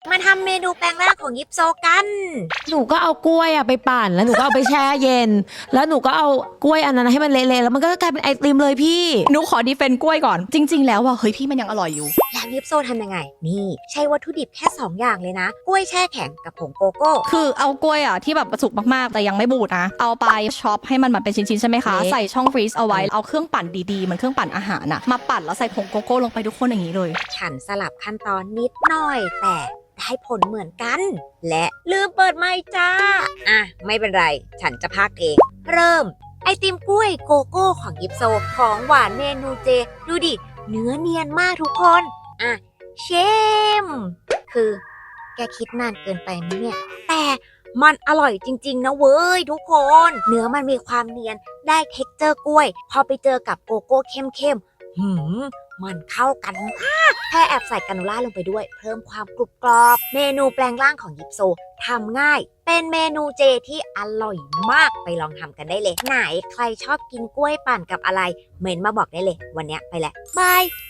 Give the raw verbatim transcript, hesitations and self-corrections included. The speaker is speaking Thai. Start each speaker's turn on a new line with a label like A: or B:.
A: มาทำเมนูแปลงร่างของยิปโซกัน
B: หนูก็เอากล้วยอะไปปั่นแล้วหนูก็เอาไปแช่เย็นแล้วหนูก็เอากล้วยอันนั้นให้มันเละๆแล้วมันก็กลายเป็นไอติมเลยพี่
C: หนูขอดีเฟนต์กล้วยก่อนจริงๆแล้วว่าเฮ้ยพี่มันยังอร่อยอยู่
A: แล้วยิปโซทำยังไงนี่ใช้วัตถุดิบแค่สองอย่างเลยนะกล้วยแช่แข็งกับผงโกโก้
C: คือเอากล้วยอ่ะที่แบบสุกมากๆแต่ยังไม่บูดนะเอาไปช็อปให้มันแบบเป็นชิ้นๆใช่ไหมคะใส่ช่องฟรีซเอาไว้เอาเครื่องปั่นดีๆเหมือนเครื่องปั่นอาหารน่ะมาปั่นแล้วใส่ผงโกโก้ลงไปทุกคนอย่างนี้เลย
A: ฉันสลับขั้นตอนนิดหน่อยแต่ได้ผลเหมือนกันและลืมเปิดไมค์จ้าอ่ะไม่เป็นไรฉันจะพากเองเริ่มไอติมกล้วยโกโก้ของยิปโซของหวานเมนูเจดูดิเนื้อเนียนมากทุกคนอ่ะเชมคือแกคิดนานเกินไปไหมเนี่ยแต่มันอร่อยจริงๆนะเว้ยทุกคนเนื้อมันมีความเนียนได้เท็กเจอร์กล้วยพอไปเจอกับโกโก้เข้มๆหืมมันเข้ากันมากแค่แอบใส่กาโนล่าลงไปด้วยเพิ่มความกรุบกรอบเมนูแปลงร่างของยิปโซทำง่ายเป็นเมนูเจที่อร่อยมากไปลองทำกันได้เลยไหนใครชอบกินกล้วยปั่นกับอะไรเมนมาบอกได้เลยวันนี้ไปแหละบาย